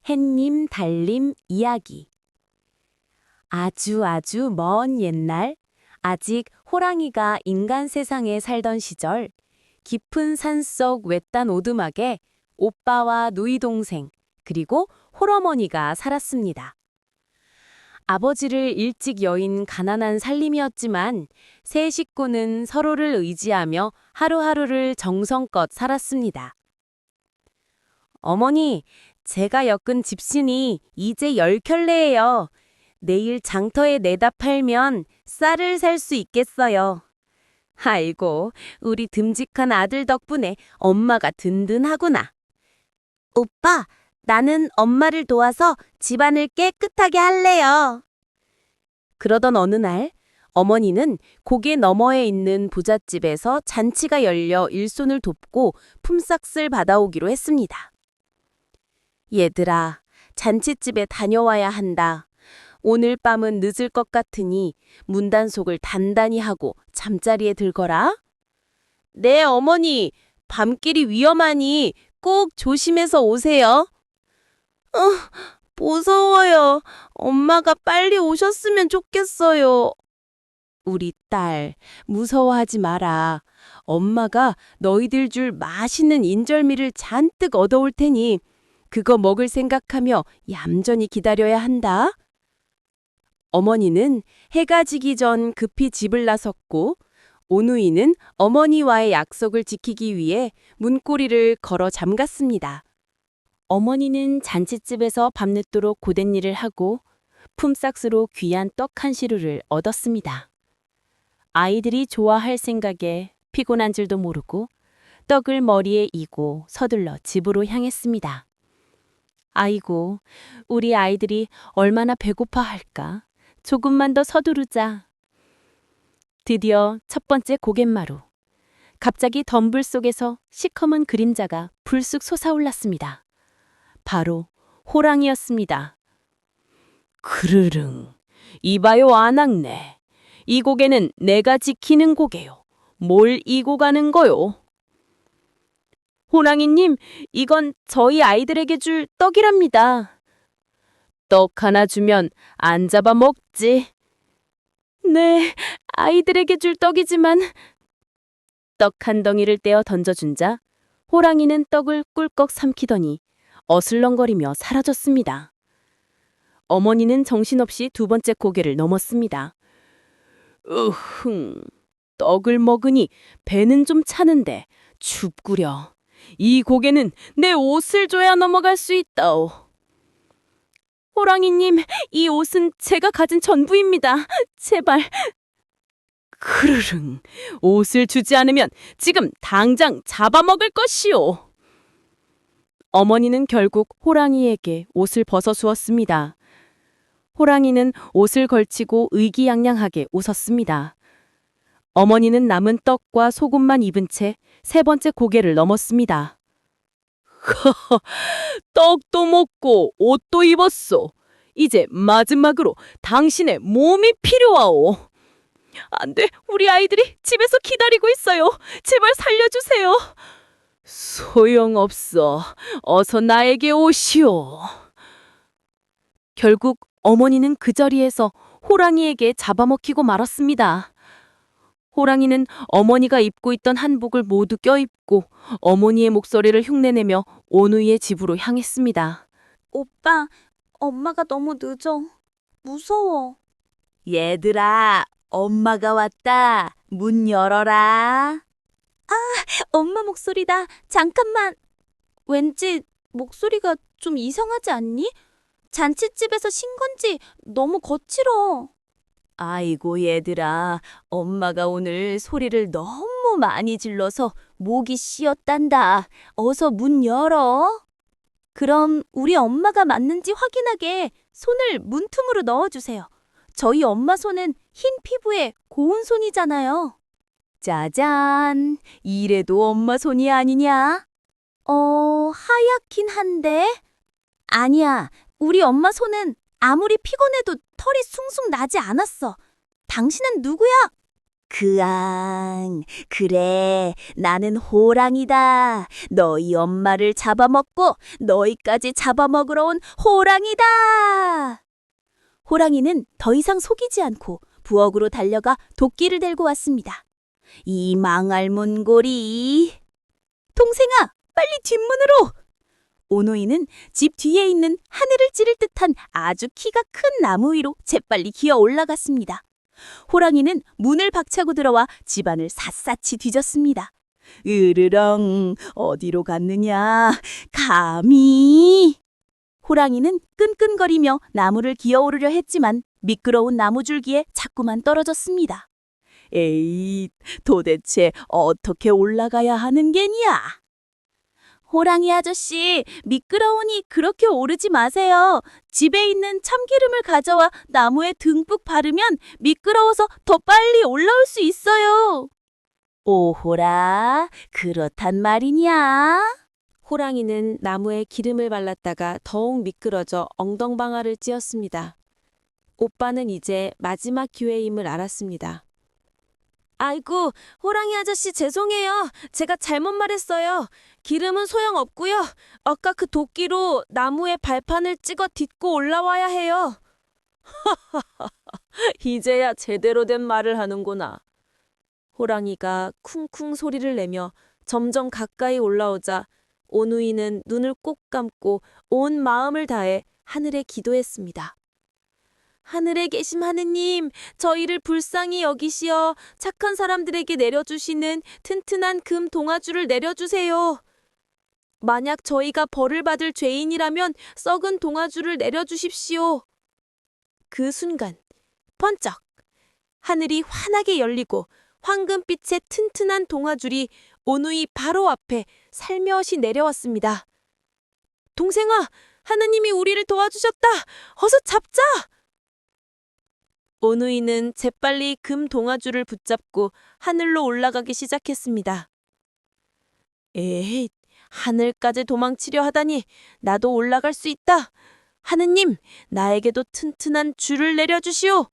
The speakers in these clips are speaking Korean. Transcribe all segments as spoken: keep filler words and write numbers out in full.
햇님 달님 이야기. 아주 아주 먼 옛날, 아직 호랑이가 인간 세상에 살던 시절, 깊은 산속 외딴 오두막에 오빠와 누이 동생, 그리고 홀어머니가 살았습니다. 아버지를 일찍 여인 가난한 살림이었지만 세 식구는 서로를 의지하며 하루하루를 정성껏 살았습니다. 어머니, 제가 엮은 집신이 이제 열 켤레예요. 내일 장터에 내다 팔면 쌀을 살 수 있겠어요. 아이고, 우리 듬직한 아들 덕분에 엄마가 든든하구나. 오빠, 나는 엄마를 도와서 집안을 깨끗하게 할래요. 그러던 어느 날, 어머니는 고개 너머에 있는 부잣집에서 잔치가 열려 일손을 돕고 품삯을 받아오기로 했습니다. 얘들아, 잔칫집에 다녀와야 한다. 오늘 밤은 늦을 것 같으니 문단속을 단단히 하고 잠자리에 들거라. 네, 어머니. 밤길이 위험하니 꼭 조심해서 오세요. 어, 무서워요. 엄마가 빨리 오셨으면 좋겠어요. 우리 딸, 무서워하지 마라. 엄마가 너희들 줄 맛있는 인절미를 잔뜩 얻어올 테니 그거 먹을 생각하며 얌전히 기다려야 한다. 어머니는 해가 지기 전 급히 집을 나섰고 오누이는 어머니와의 약속을 지키기 위해 문고리를 걸어 잠갔습니다. 어머니는 잔칫집에서 밤늦도록 고된 일을 하고 품삯으로 귀한 떡 한 시루를 얻었습니다. 아이들이 좋아할 생각에 피곤한 줄도 모르고 떡을 머리에 이고 서둘러 집으로 향했습니다. 아이고, 우리 아이들이 얼마나 배고파할까. 조금만 더 서두르자. 드디어 첫 번째 고갯마루. 갑자기 덤불 속에서 시커먼 그림자가 불쑥 솟아올랐습니다. 바로 호랑이였습니다. 그르릉, 이봐요 안악내. 이 고개는 내가 지키는 고개요. 뭘 이고 가는 거요? 호랑이님, 이건 저희 아이들에게 줄 떡이랍니다. 떡 하나 주면 안 잡아 먹지. 네, 아이들에게 줄 떡이지만. 떡 한 덩이를 떼어 던져준 자 호랑이는 떡을 꿀꺽 삼키더니 어슬렁거리며 사라졌습니다. 어머니는 정신없이 두 번째 고개를 넘었습니다. 으흥, 떡을 먹으니 배는 좀 차는데 춥구려. 이 고개는 내 옷을 줘야 넘어갈 수 있다오. 호랑이님, 이 옷은 제가 가진 전부입니다. 제발. 크르릉, 옷을 주지 않으면 지금 당장 잡아먹을 것이오. 어머니는 결국 호랑이에게 옷을 벗어주었습니다. 호랑이는 옷을 걸치고 의기양양하게 웃었습니다. 어머니는 남은 떡과 소금만 입은 채 세 번째 고개를 넘었습니다. 허허, 떡도 먹고 옷도 입었소. 이제 마지막으로 당신의 몸이 필요하오. 안 돼, 우리 아이들이 집에서 기다리고 있어요. 제발 살려주세요. 소용없어. 어서 나에게 오시오. 결국 어머니는 그 자리에서 호랑이에게 잡아먹히고 말았습니다. 호랑이는 어머니가 입고 있던 한복을 모두 껴입고 어머니의 목소리를 흉내내며 오누이의 집으로 향했습니다. 오빠, 엄마가 너무 늦어. 무서워. 얘들아, 엄마가 왔다. 문 열어라. 엄마 목소리다. 잠깐만. 왠지 목소리가 좀 이상하지 않니? 잔칫집에서 신 건지 너무 거칠어. 아이고 얘들아, 엄마가 오늘 소리를 너무 많이 질러서 목이 씌었단다. 어서 문 열어. 그럼 우리 엄마가 맞는지 확인하게 손을 문틈으로 넣어주세요. 저희 엄마 손은 흰 피부에 고운 손이잖아요. 짜잔, 이래도 엄마 손이 아니냐? 어, 하얗긴 한데. 아니야, 우리 엄마 손은 아무리 피곤해도 털이 숭숭 나지 않았어. 당신은 누구야? 그앙, 그래, 나는 호랑이다. 너희 엄마를 잡아먹고 너희까지 잡아먹으러 온 호랑이다. 호랑이는 더 이상 속이지 않고 부엌으로 달려가 도끼를 들고 왔습니다. 이 망할 문고리. 동생아, 빨리 뒷문으로. 오누이는 집 뒤에 있는 하늘을 찌를 듯한 아주 키가 큰 나무 위로 재빨리 기어 올라갔습니다. 호랑이는 문을 박차고 들어와 집안을 샅샅이 뒤졌습니다. 으르렁, 어디로 갔느냐? 감히! 호랑이는 끈끈거리며 나무를 기어오르려 했지만 미끄러운 나무줄기에 자꾸만 떨어졌습니다. 에이, 도대체 어떻게 올라가야 하는 게냐? 호랑이 아저씨, 미끄러우니 그렇게 오르지 마세요. 집에 있는 참기름을 가져와 나무에 듬뿍 바르면 미끄러워서 더 빨리 올라올 수 있어요. 오호라, 그렇단 말이냐? 호랑이는 나무에 기름을 발랐다가 더욱 미끄러져 엉덩방아를 찧었습니다. 오빠는 이제 마지막 기회임을 알았습니다. 아이고, 호랑이 아저씨 죄송해요. 제가 잘못 말했어요. 기름은 소용없고요. 아까 그 도끼로 나무에 발판을 찍어 딛고 올라와야 해요. 이제야 제대로 된 말을 하는구나. 호랑이가 쿵쿵 소리를 내며 점점 가까이 올라오자 오누이는 눈을 꼭 감고 온 마음을 다해 하늘에 기도했습니다. 하늘에 계심 하느님, 저희를 불쌍히 여기시어 착한 사람들에게 내려주시는 튼튼한 금 동아줄을 내려주세요. 만약 저희가 벌을 받을 죄인이라면 썩은 동아줄을 내려주십시오. 그 순간, 번쩍! 하늘이 환하게 열리고 황금빛의 튼튼한 동아줄이 오누이 바로 앞에 살며시 내려왔습니다. 동생아, 하느님이 우리를 도와주셨다. 어서 잡자! 오누이는 재빨리 금 동아줄을 붙잡고 하늘로 올라가기 시작했습니다. 에이, 하늘까지 도망치려 하다니 나도 올라갈 수 있다. 하느님, 나에게도 튼튼한 줄을 내려주시오.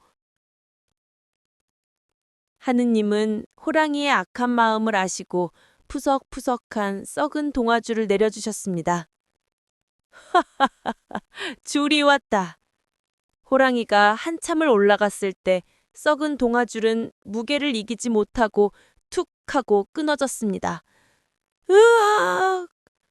하느님은 호랑이의 악한 마음을 아시고 푸석푸석한 썩은 동아줄을 내려주셨습니다. 하하하하, 줄이 왔다. 호랑이가 한참을 올라갔을 때 썩은 동아줄은 무게를 이기지 못하고 툭 하고 끊어졌습니다. 으악!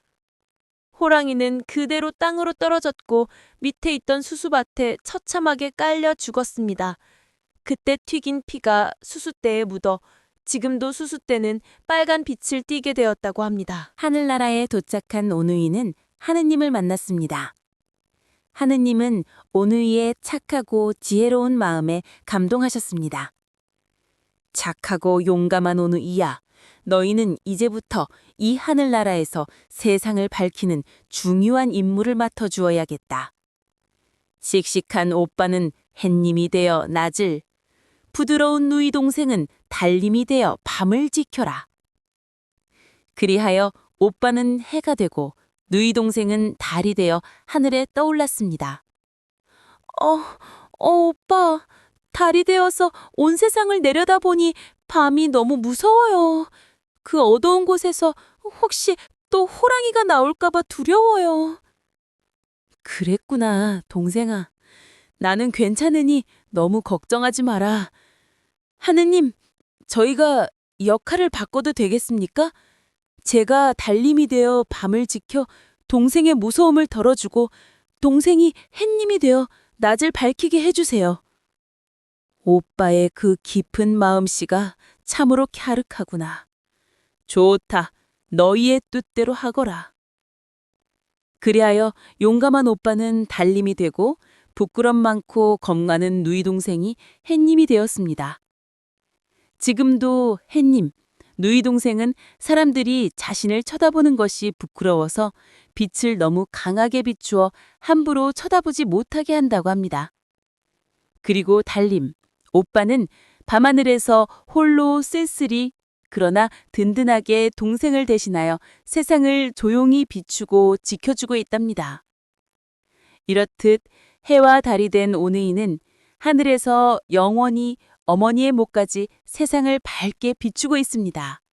호랑이는 그대로 땅으로 떨어졌고 밑에 있던 수수밭에 처참하게 깔려 죽었습니다. 그때 튀긴 피가 수수대에 묻어 지금도 수수대는 빨간 빛을 띠게 되었다고 합니다. 하늘나라에 도착한 오누이는 하느님을 만났습니다. 하느님은 오누이의 착하고 지혜로운 마음에 감동하셨습니다. 착하고 용감한 오누이야, 너희는 이제부터 이 하늘나라에서 세상을 밝히는 중요한 임무를 맡아주어야겠다. 씩씩한 오빠는 햇님이 되어 낮을, 부드러운 누이 동생은 달님이 되어 밤을 지켜라. 그리하여 오빠는 해가 되고 누이 동생은 달이 되어 하늘에 떠올랐습니다. 어, 어, 오빠, 달이 되어서 온 세상을 내려다보니 밤이 너무 무서워요. 그 어두운 곳에서 혹시 또 호랑이가 나올까봐 두려워요. 그랬구나, 동생아. 나는 괜찮으니 너무 걱정하지 마라. 하느님, 저희가 역할을 바꿔도 되겠습니까? 제가 달님이 되어 밤을 지켜 동생의 무서움을 덜어주고 동생이 햇님이 되어 낮을 밝히게 해주세요. 오빠의 그 깊은 마음씨가 참으로 갸륵하구나. 좋다. 너희의 뜻대로 하거라. 그리하여 용감한 오빠는 달님이 되고 부끄럼 많고 겁 많은 누이 동생이 햇님이 되었습니다. 지금도 햇님, 누이 동생은 사람들이 자신을 쳐다보는 것이 부끄러워서 빛을 너무 강하게 비추어 함부로 쳐다보지 못하게 한다고 합니다. 그리고 달님, 오빠는 밤하늘에서 홀로 쓸쓸히 그러나 든든하게 동생을 대신하여 세상을 조용히 비추고 지켜주고 있답니다. 이렇듯 해와 달이 된 오누이는 하늘에서 영원히 어머니의 목까지 세상을 밝게 비추고 있습니다.